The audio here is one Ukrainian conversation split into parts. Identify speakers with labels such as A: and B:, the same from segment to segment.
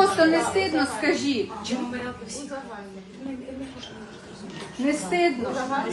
A: просто не стидно, скажіть. Не стидно.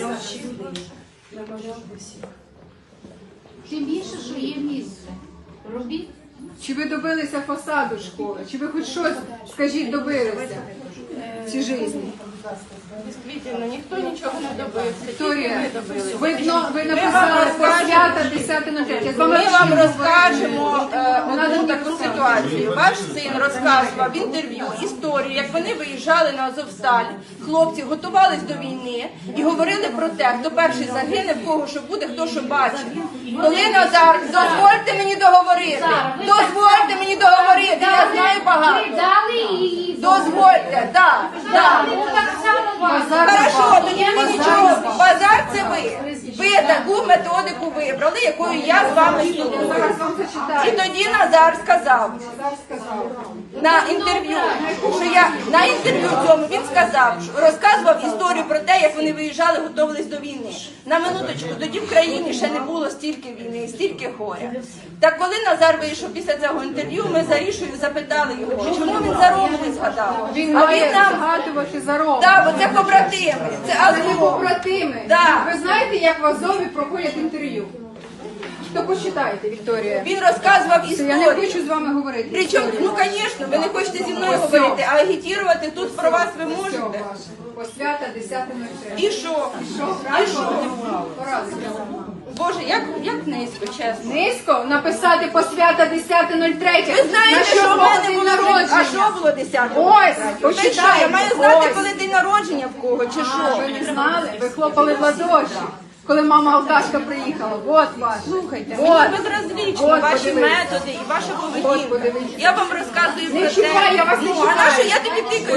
B: Тим більше, що є місце. Робіть.
A: Чи ви добилися фасаду школи? Чи ви хоч щось, скажіть, добилися в цій житті?
C: Дійсно, ніхто нічого не добився.
A: Вікторія, ви написали посвята 10.03.
C: Ми вам розкажемо одну таку ситуацію. Ваш син розказував в інтерв'ю історію, як вони виїжджали на Азовсталь, хлопці готувались до війни і говорили про те, хто перший загине, в кого що буде, хто що бачить. Коли Назар, дозвольте мені договорити, дозвольте мені договорити, я знаю багато.
B: Дали її.
C: Дозвольте, так, так.
B: Так само вас.
C: Хорошо, тоді мені нічого. Базар це ви. Ви таку методику вибрали, якою я з вами спілкуюся. І тоді Назар сказав на інтерв'ю, що я на інтерв'ю цьому він сказав, розказував історію про те, як вони виїжджали, готувались до війни. На минуточку, тоді в країні ще не було стільки війни, стільки горя. Так коли Назар вийшов після цього інтерв'ю, ми за Рішою запитали його, чому він за Рому не згадав.
A: Він
C: А
A: має
C: він нам
A: згадувати за Рому.
C: так, бо це побратими, це
A: Це
C: Азов.
A: побратими.
C: Да.
A: Ви знаєте, як в Азові проходять інтерв'ю? То почитайте, Вікторія.
C: Він розказував
A: Я не
C: історію.
A: хочу з вами говорити.
C: Причому, ну, звісно, ви не хочете зі мною говорити, а агітувати тут про вас ви можете.
A: Посвята 10.03.
C: І що?
A: Що,
C: І що?
A: правильно?
C: Боже, як низько, чесно.
A: Низько написати посвята 10.03.
C: Ви знаєте, що в мене
A: день
C: було
A: народження?
C: А що було 10-го?
A: Ось,
C: Ви що, я
A: почитайте.
C: маю знати,
A: Ось.
C: коли день народження в кого, чи
A: А,
C: що?
A: ви не знали? Ви хлопали в ладоші, коли мама алкашка приїхала. Вот ваш.
C: Слухайте,
A: Вот.
C: мені безразлічно
A: От,
C: ваші
A: подивіться.
C: методи і ваша
A: От,
C: поведінка.
A: подивіться.
C: Я вам розказую
A: Не
C: про
A: чіпай,
C: те.
A: я вас не
C: Ну, а
A: чіпаю.
C: на що я тобі тикаю?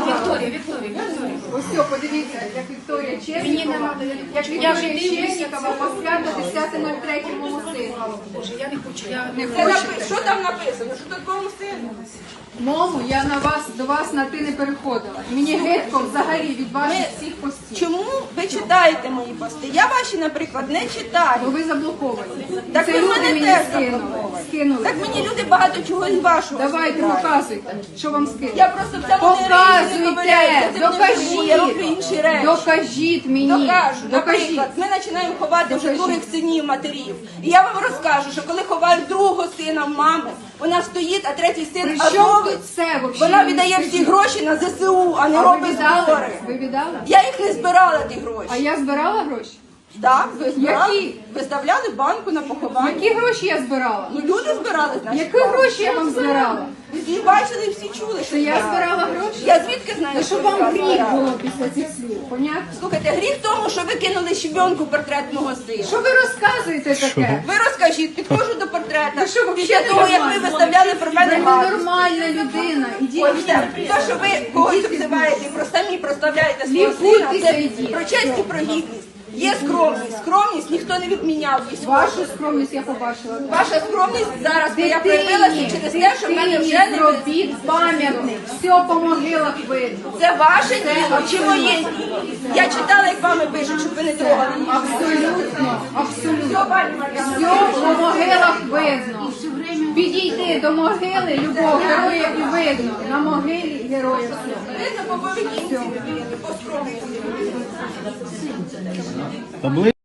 A: Ось все, подивіться, як Вікторія Чеснікова, як Вікторія Чеснікова посвята 10.03 моєму сину.
B: Боже, я не хочу. Я
A: Не
C: Це
A: хочете?
C: що там написано? Що такому сину?
A: Мому, я до вас на ти не переходила. Мені гидко взагалі від ваших всіх постів.
C: Чому ви читаєте мої пости? Я ваші, наприклад, не читаю.
A: Бо ви заблоковані.
C: Так
A: Це
C: ви
A: люди
C: мене
A: мені
C: теж
A: скинули.
C: Так мені люди багато чого з вашого.
A: Давайте,
C: скидають.
A: показуйте, що вам скинули.
C: Я просто в цьому не ковиряюся,
A: Показуйте,
C: цим не живу, я роблю інші речі.
A: докажіть мені.
C: Докажу.
A: Докажіть.
C: Наприклад, ми починаємо ховати вже
A: Докажіть.
C: других синів матерів. І я вам розкажу, що коли ховають другого сина в мами, вона стоїть, а третій син
A: При чому
C: азовець.
A: тут це взагалі?
C: Вона віддає всі гроші на ЗСУ, а не
A: А ви
C: робить
A: віддали?
C: збори.
A: Ви віддали?
C: Я їх не збирала, ті гроші.
A: А я збирала гроші?
C: Так, ви збирали?
A: Які?
C: Виставляли банку на поховання.
A: Які гроші я збирала?
C: Ну люди збирали, значить.
A: Які гроші я вам збирала?
C: Всі бачили, всі чули, що
A: Що я
C: збирали.
A: збирала гроші?
C: Я звідки знаю,
A: Ну,
C: що
A: щоб
C: ви
A: вам гріх
C: збирали?
A: було після цих слів, понятно?
C: Слухайте, гріх в тому, що ви кинули щебенку портрет мого сина.
A: Що ви розказуєте таке?
C: Ви розкажіть, підходжу до портрета.
A: Ви що,
C: Після
A: взагалі
C: того, як ви
A: нормально?
C: виставляли про
A: Ви
C: мене гадості.
A: нормальна людина. Ідіть.
C: Ось те, що ви когось обзиваєте, і про самі проставляєте свого сина,
A: Лікуйтеся,
C: це
A: ідіть.
C: про честь і про гідність. Є скромність. Скромність ніхто не відміняв.
A: Вашу скромність я побачила.
C: Ваша скромність зараз моя проявилася через те, що в мене вже не
A: зробіть пам'ятник. Все по могилах видно.
C: це ваше діло чи моє діло. Я читала, як вами пишуть, щоб ви не трогали їх.
A: Абсолютно, абсолютно.
C: Все, пані Мар'яна.
A: Все по могилах видно. Підійти до могили любого героя і видно. На могилі героя все.
C: Видно по поведінці людини, по скромності.